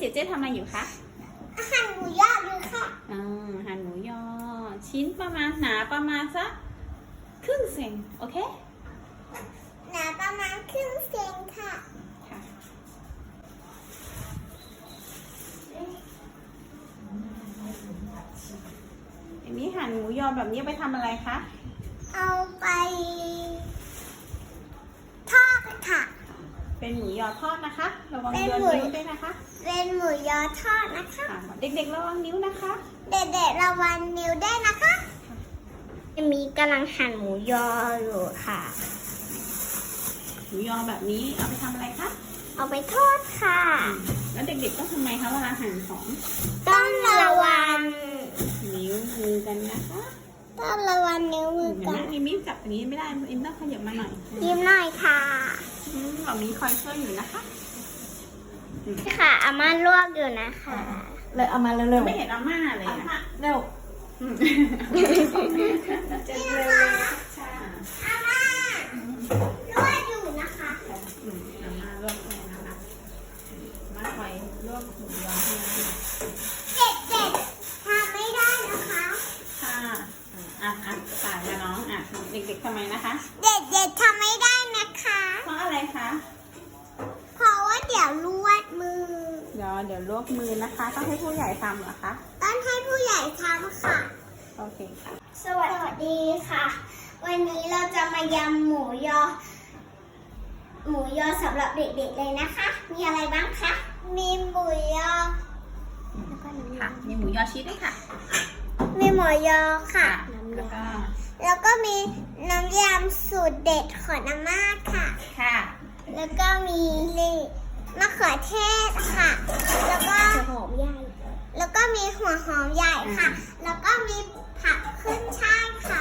เจ๊ทำอะไรอยู่คะหั่นหมูยออยู่ค่ะหั่นหมูยอชิ้นประมาณหนาประมาณสักครึ่งเซนโอเคหนาประมาณครึ่งเซนค่ะอันนี้หั่นหมูยอแบบนี้ไปทำอะไรคะเอาไปทอดค่ะเป็นหมูยอทอดนะคะระวังโดนนิ้วด้วยนะคะเป็นหมูยอทอดนะคะเด็กๆระวังนิ้วนะคะเด็กๆระวังนิ้วได้นะคะมีกำลังหั่นหมูยออยู่ค่ะหมูยอแบบนี้เอาไปทำอะไรคะเอาไปทอดค่ะแล้วเด็กๆต้องทำไมคะเวลาหั่นของต้องระวังนิ้วมือกันนะคะต้องระวังนิ้วมือกันมิ้มจับอย่างนี้ไม่ได้มิ้มต้องขยับมาหน่อยยิ้มหน่อยค่ะแบบนี้คอยช่วยอยู่นะคะค่ะอาม่าลวกอยู่นะคะเลยเอามาเร็วๆไม่เห็นอาม่าเลยเร็วจะเร็วอาม่าลวกอยู่นะคะอาม่าลวกให้นะคะมาคอยลวกหมูยอให้เด็กๆทำไม่ได้นะคะค่ะสายกับน้องเด็กๆทำไมนะคะเด็กๆทำไม่ได้นะคะเพราะอะไรคะเพราะว่าเดี๋ยวลวกมือเดี๋ยวลวกมือนะคะต้องให้ผู้ใหญ่ทำเหรอคะต้องให้ผู้ใหญ่ทำค่ะโอเคค่ะสวัสดีค่ะวันนี้เราจะมายำหมูยอสำหรับเด็กๆเลยนะคะมีอะไรบ้างคะมีหมูยอค่ะมีหมูยอชีสด้วยค่ะมีหมูยอค่ะแล้วก็มีน้ำยำสูตรเด็ดของอาม่าค่ะแล้วก็มีมะเขือเทศค่ะแล้วก็หัวหอมใหญ่แล้วก็มีหัวหอมใหญ่ค่ะแล้วก็มีผักขึ้นช่ายค่ะ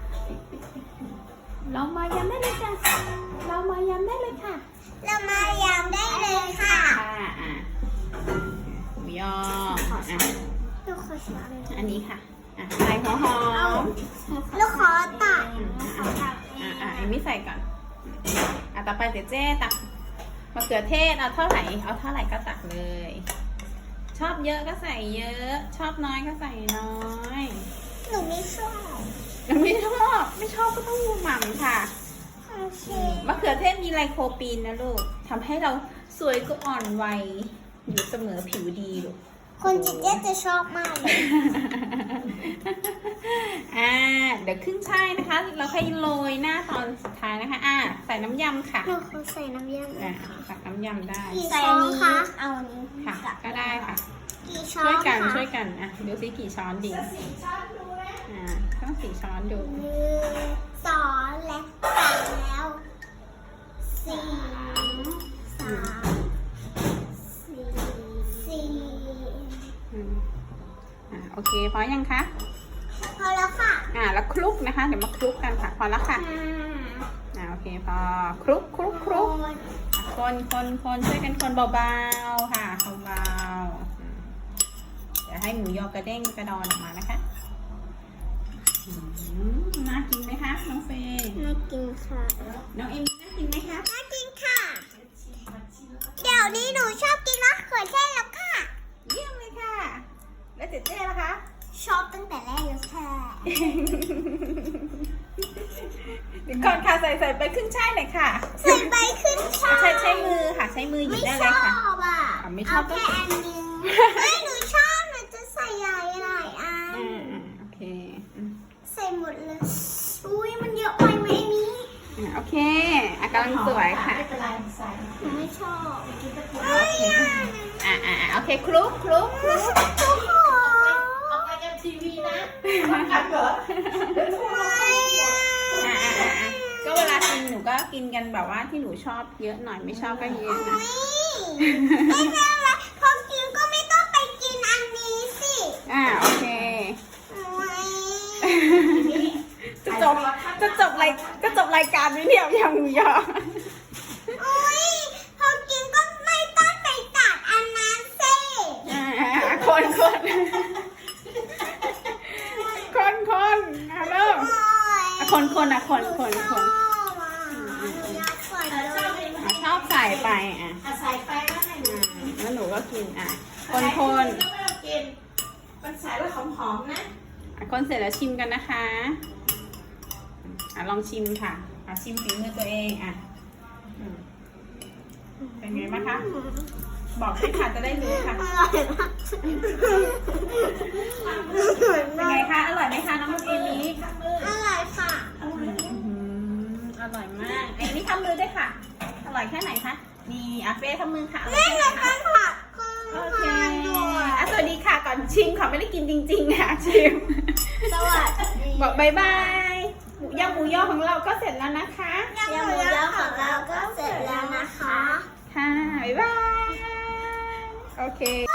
เรามายำได้เลยจ้ะเรามายำได้เลยค่ะเรามายำได้เลยค่ะหมูยออันนี้ค่ะใส่หัวหอมลูกขอตักเอมี่ใส่ก่อนต่อไปเจ๊ตักมะเขือเทศเอาเท่าไหร่ก็ตักเลยชอบเยอะก็ใส่เยอะชอบน้อยก็ใส่น้อยหนูไม่ชอบก็ต้องหมั่นค่ะมะเขือเทศมีไลโคปีนนะลูกทำให้เราสวยก็อ่อนวัยอยู่เสมอผิวดีลูกคนจิตเจ๊จะชอบมากเลยเดี๋ยวขึ้นช่ายนะคะเราค่อยโรยหน้าตอนสุดท้ายนะคะใส่น้ำยำค่ะเราใส่น้ำยำตักน้ำยำได้ใส่นี้เอานี้ค่ะก็ได้ค่ะช่วยกันดูซิกี่ช้อนดีต้อง4 ช้อนดู 2และ3แล้วโอเคพอยังคะพอแล้วค่ะแล้วคลุกนะคะเดี๋ยวมาคลุกกันค่ะพอแล้วค่ะโอเคพอคลุกคนช่วยกันคนเบาๆค่ะเบาๆเดี๋ยวให้หมูยอกระเด้งกระดอนออกมานะคะน่ากินไหมคะน้องเฟย์น่ากินค่ะน้องเอมี่น่ากินไหมคะน่ากินค่ะเดี๋ยวนี้หนูชอบกินมะเขือเทศแล้วค่ะเยี่ยมเลยค่ะแล้วเจ๊ล่ะคะชอบตั้งแต่แรกแล้วค่ะก่อนค่ะใส่ไปขึ้นช่ายหน่อยค่ะใส่ไปขึ้นช่ายใช้มือค่ะใช้มือหยิบได้เลยค่ะไม่ชอบแค่อันนึงไม่หนูชอบหนูจะใส่หลายอันโอเคใส่หมดเลยอุ้ยมันเยอะไปไหมนี่โอเคกำลังสวยค่ะหนูไม่ชอบโอเคคลุกออกไปกันทีวีนะก็เวลากินหนูก็กินกันแบบว่าที่หนูชอบเยอะหน่อยไม่ชอบก็เยอะนะไม่ใช่ละพอกินก็ไม่ต้องไปกินอันนี้สิโอเคจะจบรายการนี้เนี่ยยังยาวพอกินก็ไม่ต้องไปตัดอันนั้นสิคนเริ่มคนชอบใส่ไปใส่ไปแล้วแล้วหนูก็กินคนกินมันใส่ไว้หอมๆนะคนเสร็จแล้วชิมกันนะคะลองชิมค่ะชิมฝีมือตัวเองเป็นไงบ้างคะบอกด้วยค่ะจะได้รู้ค่ะอร่อยมากเป็นไงคะอร่อยไหมคะน้องเอมิอร่อยค่ะอร่อยมากเอมิทำมือด้วยค่ะ อร่อยแค่ไหนคะนี่เฟ่ทำมือค่ะอร่อยนี่แค่ไหนเราคะก็ผักโอเคสวัสดีค่ะก่อนชิมค่ะไม่ได้กินจริงๆค่ะชิมสวัสดีบอกบายบายหมูย่อของเราก็เสร็จแล้วนะคะยำหมูยอของเราก็เสร็จแล้วนะคะค่ะบ๊ายบายโอเค